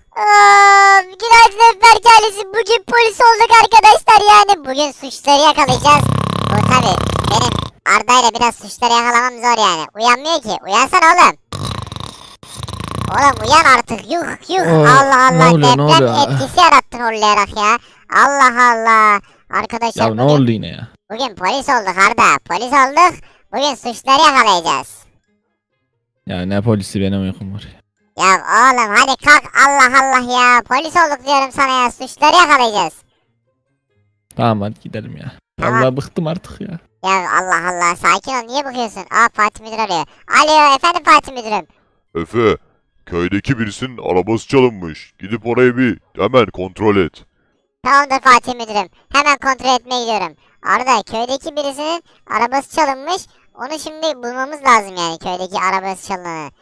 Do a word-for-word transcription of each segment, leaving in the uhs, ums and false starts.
Aa, günaydın Ömer ailesi. Bugün polis olduk arkadaşlar yani. Bugün suçları yakalayacağız. Bu tabi benim Arda ile biraz suçları yakalamam zor yani. Uyanmıyor ki. Uyansana oğlum. Oğlum uyan artık. Yuh yuh. Oo, Allah ne Allah. oluyor, ne Deprem oluyor? etkisi yarattın horlayarak ya. Allah Allah. Arkadaşlar Ya ne bugün, oldu yine ya? bugün polis olduk Arda. Polis olduk. Bugün suçları yakalayacağız. Ya ne polisi, benim uykum var ya. Ya oğlum hadi kalk, Allah Allah ya. Polis olduk diyorum sana ya. Suçları yakalayacağız. Tamam hadi gidelim ya. Tamam. Allah bıktım artık ya. Ya Allah Allah, sakin ol, niye bakıyorsun? Aa, Fatih Müdür arıyor. Alo efendim Fatih Müdürüm. Efe, köydeki birisinin arabası çalınmış. Gidip orayı bir hemen kontrol et. Tamamdır Fatih Müdürüm. Hemen kontrol etmeye gidiyorum. Arada köydeki birisinin arabası çalınmış. Onu şimdi bulmamız lazım yani, köydeki arabası çalınanı.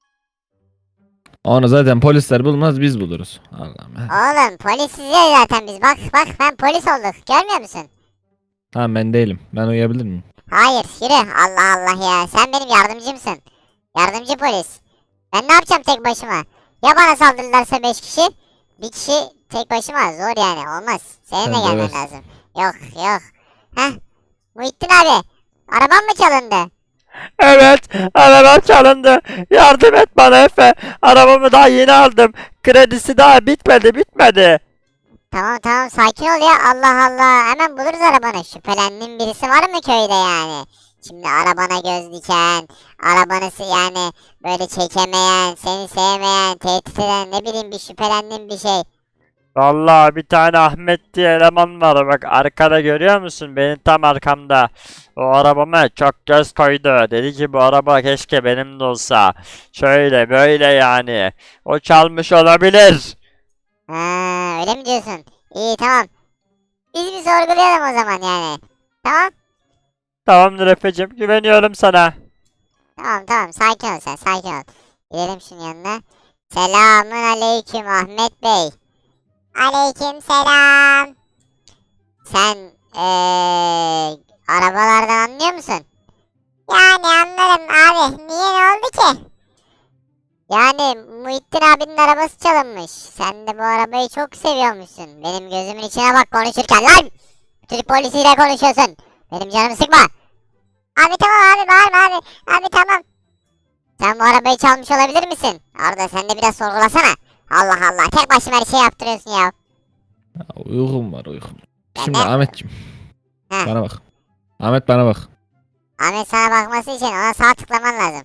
Onu zaten polisler bulmaz, biz buluruz. Allah'ım ya. Oğlum polis size zaten biz. Bak bak, ben polis olduk. Görmüyor musun? Tamam ben değilim. Ben uyuyabilir miyim? Hayır yürü. Allah Allah ya. Sen benim yardımcımsın. Yardımcı polis. Ben ne yapacağım tek başıma? Ya bana saldırırlarsa beş kişi? Bir kişi tek başıma zor yani, olmaz. Senin Sen de gelmen döversin. lazım. Yok yok. Heh. Muhittin abi. Araban mı çalındı? Evet, arabam çalındı. Yardım et bana Efe. Arabamı daha yeni aldım. Kredisi daha bitmedi, bitmedi. Tamam tamam, sakin ol ya. Allah Allah. Hemen buluruz arabanı. Şüphelendiğin birisi var mı köyde yani? Şimdi arabana göz diken, arabanı se- yani böyle çekemeyen, seni sevmeyen, tehdit eden, ne bileyim, bir şüphelendiğin bir şey. Vallahi bir tane Ahmet diye eleman var. Bak arkada görüyor musun? Benim tam arkamda. O arabama çok göz koydu. Dedi ki bu araba keşke benim de olsa. Şöyle böyle yani. O çalmış olabilir. Ha, öyle mi diyorsun? İyi tamam. Biz bir sorgulayalım o zaman yani. Tamam? Tamamdır Efe'cim, güveniyorum sana. Tamam tamam, sakin ol sen, sakin ol. Gidelim şunun yanına. Selamun aleyküm Ahmet Bey. Aleyküm selam. Sen eee arabalardan anlıyor musun? Yani anlarım abi. Niye, ne oldu ki? Yani Muhittin abinin arabası çalınmış. Sen de bu arabayı çok seviyormuşsun. Benim gözümün içine bak konuşurken lan! Türk polisiyle konuşuyorsun. Benim canımı sıkma. Abi tamam abi, bağırma abi. Abi tamam. Sen bu arabayı çalmış olabilir misin? Arda sen de biraz sorgulasana. Allah Allah, tek başıma her şey yaptırıyorsun ya. Ya, uykum var uykum. Ben Şimdi de- Ahmetciğim. Heh. Bana bak. Ahmet bana bak. Ahmet sana bakması için ona sağ tıklaman lazım.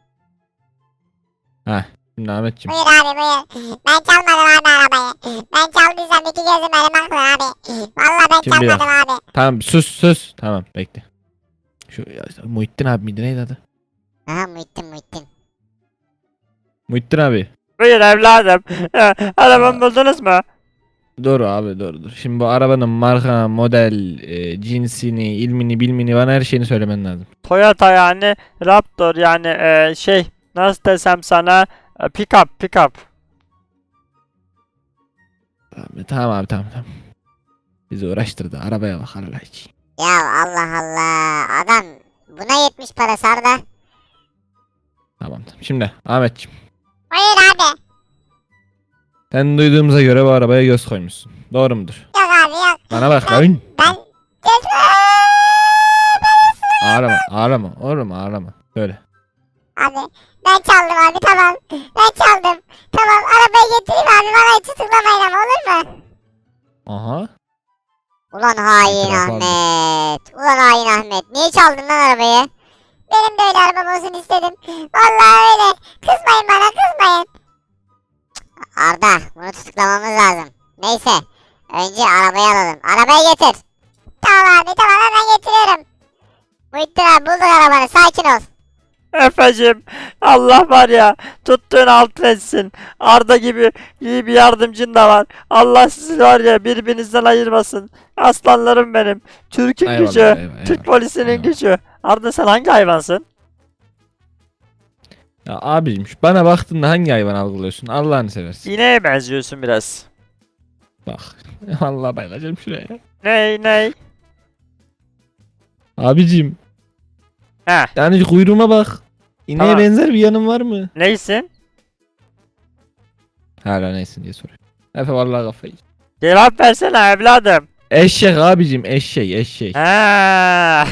Heh. Şimdi Ahmetciğim. Buyur abi buyur. Ben çalmadım abi arabayı. Ben çaldıysam iki gözüm önüme aklı abi. Vallahi ben Şimdi ya. çalmadım abi. Tamam sus sus. Tamam bekle. Şu ya, Muhittin abi miydi, neydi adı? Aha, Muhittin Muhittin. Muhittin abi. Buyur evladım. Arabamı buldunuz mu? Dur abi dur dur. Şimdi bu arabanın marka, model, e, cinsini, ilmini, bilmini, bana her şeyini söylemen lazım. Toyota yani Raptor yani e, şey nasıl desem sana e, pick-up pick-up. Abi, tamam abi tamam tamam. Bizi uğraştırdı. Arabaya bak Allah için. Ya Allah Allah. Adam buna yetmiş para Sarda. Tamam tamam. Şimdi Ahmetciğim. Buyur abi. Sen duyduğumuza göre bu arabaya göz koymuşsun. Doğru mudur? Yok abi yok. Bana bak lan. Ben... Ağlama ağlama. Oğlum ağlama. Söyle. Abi ben çaldım abi, tamam. Ben çaldım. Tamam, arabayı getireyim abi, bana hiç tutuklamayın ama, olur mu? Aha. Ulan hain İtiraf aldım. Ahmet. Ulan hain Ahmet. Niye çaldın lan arabayı? Benim de öyle arabam olsun istedim. Vallahi öyle. Kızmayın bana, kızmayın. Cık, Arda, bunu tutuklamamız lazım. Neyse. Önce arabayı alalım. Arabayı getir. Tamam abi tamam, hemen getiriyorum. Muhittin abi, bulduk arabanı, sakin ol. Efecim Allah var ya tuttuğun altın etsin. Arda gibi iyi bir yardımcın da var. Allah sizi var ya birbirinizden ayırmasın. Aslanlarım benim. Türk'ün Eyvallah, gücü. eyvallah, Türk eyvallah, polisinin eyvallah. gücü. Arda sen hangi hayvansın? Ya abicim şu bana baktığında hangi hayvan algılıyorsun? Allah'ını seversin. İneğe benziyorsun biraz. Bak. Vallahi bayılacağım şuraya. Ney ney? Abicim. Heh Yani kuyruğuma bak. İneğe Tamam. benzer bir yanım var mı? neysin? Hala neysin diye soruyor. Efe vallahi kafayı. Cevap versene evladım. Eşek abicim eşek eşek. Ha.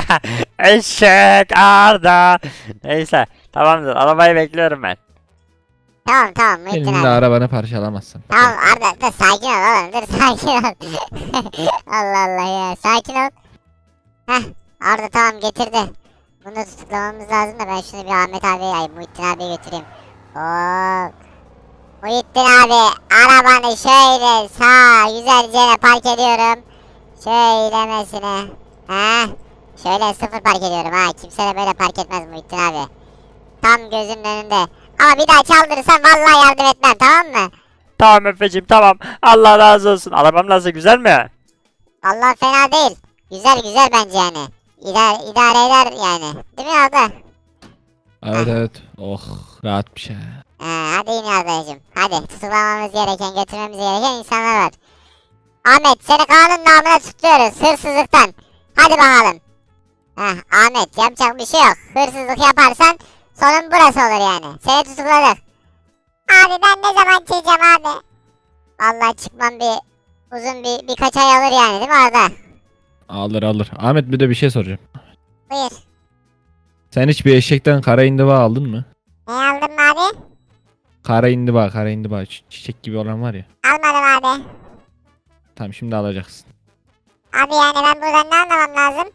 Eşek Arda. Neyse tamamdır arabayı bekliyorum ben. Tamam tamam Muhittin Senin de abi. arabanı parçalamazsın. Tamam Arda dur sakin ol oğlum dur sakin ol. Allah Allah ya sakin ol. Heh Arda tamam getirdi. Bunu da tutuklamamız lazım da ben şunu bir Ahmet abi ay Muhittin abiye götüreyim. Oo. Muhittin abi arabanı şöyle sağ güzelce park ediyorum. Şöylemesine. Heh. Şöyle sıfır park ediyorum ha. Kimse de böyle park etmez Muhittin abi. Tam gözümün önünde. Ama bir daha çaldırırsan vallahi yardım etmem tamam mı? Tamam Efeciğim tamam. Allah razı olsun. Arabam nasıl güzel mi? Allah fena değil. Güzel güzel bence yani. İdare, idare eder yani. Değil mi Arda? Evet evet. Oh rahatmış ha. Ee, hadi in Arda'cığım. Hadi tutuklamamız gereken, götürmemiz gereken insanlar var. Ahmet seni kanun namına tutuyoruz hırsızlıktan. Hadi bakalım. Heh, Ahmet yapacak bir şey yok. Hırsızlık yaparsan sonun burası olur yani. Seni tutukladık. Abi ben ne zaman çıkacağım abi? Vallahi çıkmam bir uzun bir birkaç ay alır yani değil mi Arda? Alır alır. Ahmet bir de bir şey soracağım. Buyur. Sen hiç bir eşekten kara indiba aldın mı? Ne aldın mı abi? Kara indiba kara indiba çi- çiçek gibi olan var ya. Almadım abi. Tamam şimdi alacaksın. Abi yani ben buradan ne anlamam lazım?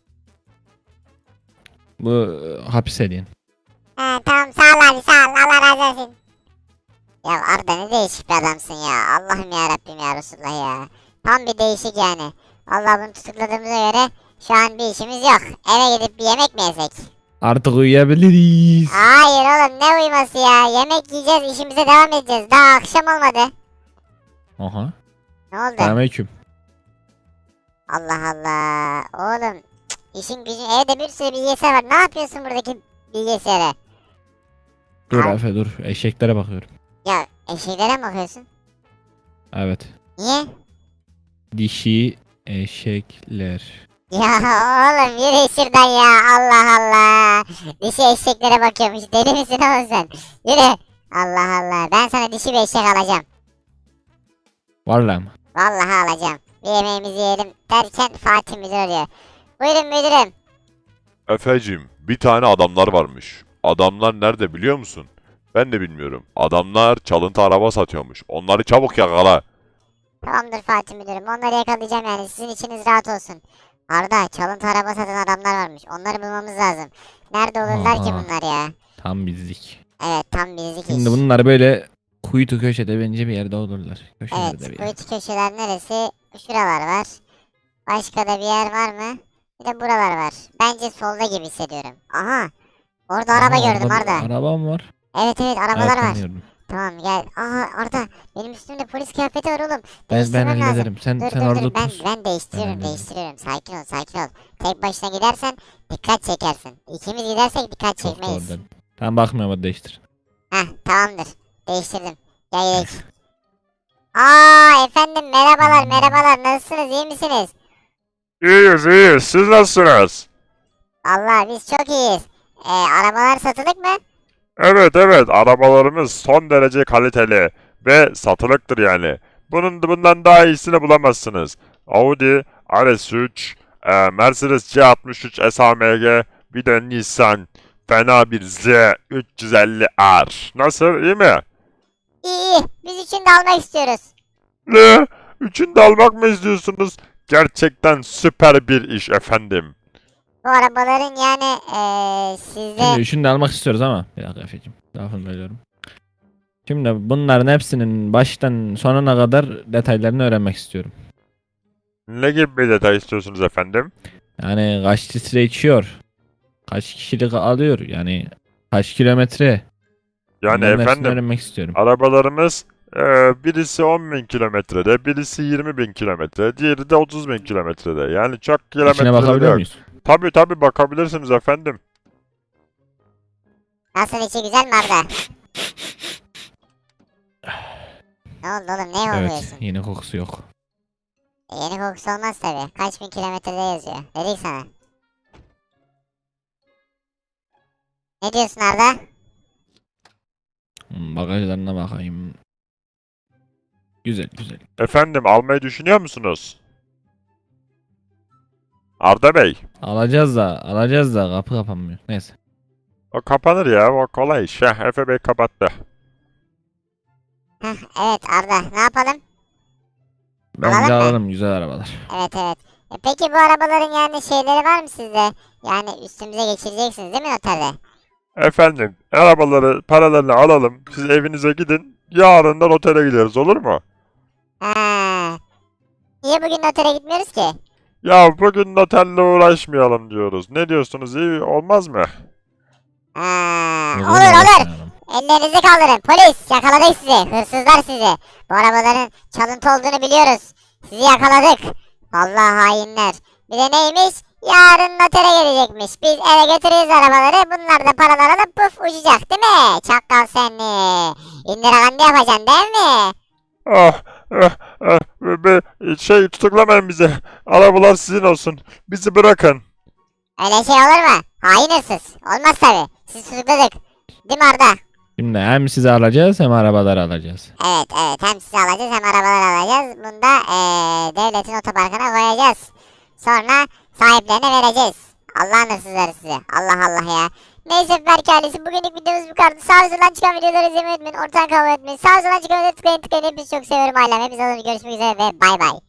Bu e, hapis hediyen. He tamam sağ ol abi sağ ol Allah razı olsun. Ya Arda ne değişik bir adamsın ya. Allah'ım ya Rabbim ya Resulullah ya. Tam bir değişik yani. Allah bunu tutukladığımıza göre şu an bir işimiz yok. Eve gidip bir yemek mi yesek? Artık uyuyabiliriz. Hayır oğlum ne uyuması ya. Yemek yiyeceğiz işimize devam edeceğiz. Daha akşam olmadı. Aha. Ne oldu? Selamünaleyküm. Allah Allah. Oğlum cık, işin gücün evde bir sürü bilgisayar var. Ne yapıyorsun buradaki bilgisayara? Dur Abi. Efe dur. Eşeklere bakıyorum. Ya eşeklere mi bakıyorsun? Evet. Niye? Dişi eşekler. Ya oğlum yürü şuradan ya Allah Allah. Dişi eşeklere bakıyormuş deli misin oğlum sen? Yürü. Allah Allah ben sana dişi bir eşek alacağım. Vallahi mı? Vallahi alacağım. Bir yemeğimizi yiyelim derken Fatih müdür arıyor. Buyurun müdürüm. Efecim, bir tane adamlar varmış. Adamlar nerede biliyor musun? Ben de bilmiyorum. Adamlar çalıntı araba satıyormuş. Onları çabuk yakala. Tamamdır Fatih müdürüm onları yakalayacağım yani sizin içiniz rahat olsun. Arda çalıntı araba satan adamlar varmış onları bulmamız lazım. Nerede olurlar ki Aha. bunlar ya? Tam bizlik. Evet tam bizlik iş. Şimdi bunlar böyle kuytu köşede bence bir yerde olurlar. Köşelerde Evet, bir bu yerde. iki köşeler neresi? Şuralar var. Başka da bir yer var mı? Bir de buralar var. Bence solda gibi hissediyorum. Aha! Orada araba Aha, gördüm orada Arda. bir Arabam var. Evet evet arabalar Evet, var. tanıyorum. Tamam gel. Aha Arda benim üstümde polis kıyafeti var oğlum. Ben, ben Değiştirmem lazım. hallederim. Sen, Dur sen dur orada dur ben, otur. ben değiştiriyorum hallederim. değiştiriyorum. Sakin ol sakin ol. Tek başına gidersen dikkat çekersin. İkimiz gidersek dikkat Çok çekmeyiz. doğru. Tamam bakmıyorum hadi değiştir. Heh tamamdır. Değiştirdim. Gel gidelim. Aa efendim merhabalar merhabalar nasılsınız iyi misiniz? İyiyiz iyiyiz. Siz nasılsınız? Allah biz çok iyiyiz. Ee, arabalar satılık mı? Evet evet arabalarımız son derece kaliteli ve satılıktır yani. Bunun bundan daha iyisini bulamazsınız. Audi R S üç, e, Mercedes C altmış üç S A M G, bir de Nissan fena bir Z üç yüz elli R. Nasıl iyi mi? İyi iyi. Biz için de almak istiyoruz. Ne? Üçünü de almak mı istiyorsunuz? Gerçekten süper bir iş efendim. Bu arabaların yani ee, sizde... Şimdi şunu da almak istiyoruz ama. Bir dakika Efe'cim. Lafını bölüyorum. Şimdi bunların hepsinin baştan sonuna kadar detaylarını öğrenmek istiyorum. Ne gibi bir detay istiyorsunuz efendim? Yani kaç litre içiyor? Kaç kişilik alıyor? Yani kaç kilometre? Yani Bunların hepsini efendim öğrenmek istiyorum. arabalarımız e, birisi on bin kilometrede, birisi yirmi bin kilometre, diğeri de otuz bin kilometrede. Yani çok İçine kilometrede bakabiliyor yok. muyuz? Tabii tabii bakabilirsiniz efendim. Nasıl içi güzel mi Arda? Ne oldu oğlum ne Evet. oluyorsun? Yine kokusu yok. E, yeni kokusu olmaz tabi. Kaç bin kilometrede yazıyor. Dedik sana. Ne diyorsun Arda? Hmm, Bagajlarına bakayım. Güzel güzel. Efendim almayı düşünüyor musunuz? Arda Bey. Alacağız da alacağız da kapı kapanmıyor. Neyse. O kapanır ya. O kolay iş. Heh, Efe Bey kapattı. Heh, evet Arda ne yapalım? Bence Alalım mı? alalım güzel arabalar. Evet evet. E, peki bu arabaların yani şeyleri var mı sizde? Yani üstümüze geçireceksiniz değil mi noterde? Efendim arabaları paralarını alalım. Siz evinize gidin. Yarından otele gideriz olur mu? Ha. Niye bugün notere gitmiyoruz ki? Ya bugün otelle uğraşmayalım diyoruz. Ne diyorsunuz iyi olmaz mı? Ha. Olur, Olur olur. uğraşmayalım. Ellerinizi kaldırın. Polis yakaladık sizi. Hırsızlar sizi. Bu arabaların çalıntı olduğunu biliyoruz. Sizi yakaladık. Vallahi hainler. Bir de neymiş? Yarın notere gelecekmiş. Biz eve götürürüz arabaları. Bunlar da paralar alıp puf uçacak değil mi? Çakal seni. İndirakande yapacaksın değil mi? Ah, ah, ah, be, şey tutuklamayın bizi. Arabalar sizin olsun. Bizi bırakın. Öyle şey olur mu? Hain hırsız. Olmaz tabi. Sizi tutukladık. Değil mi Arda? Şimdi hem sizi alacağız hem arabaları alacağız. Evet evet. Hem sizi alacağız hem arabalar alacağız. Bunu da eee, devletin otoparkına koyacağız. Sonra sahiplerine vereceğiz. Allah'ın hırsızları size. Allah Allah ya. Neyse Berk ailesi bugünlük videomuz bu kadar. Sağ olun çıkan videoları izlemeyi unutmayın. Ortadan kalmayı unutmayın. Sağ olun çıkan videoları tıklayın tıklayın. Hepinizi çok seviyorum ailem. Hepinize alın. Görüşmek üzere ve bay bay.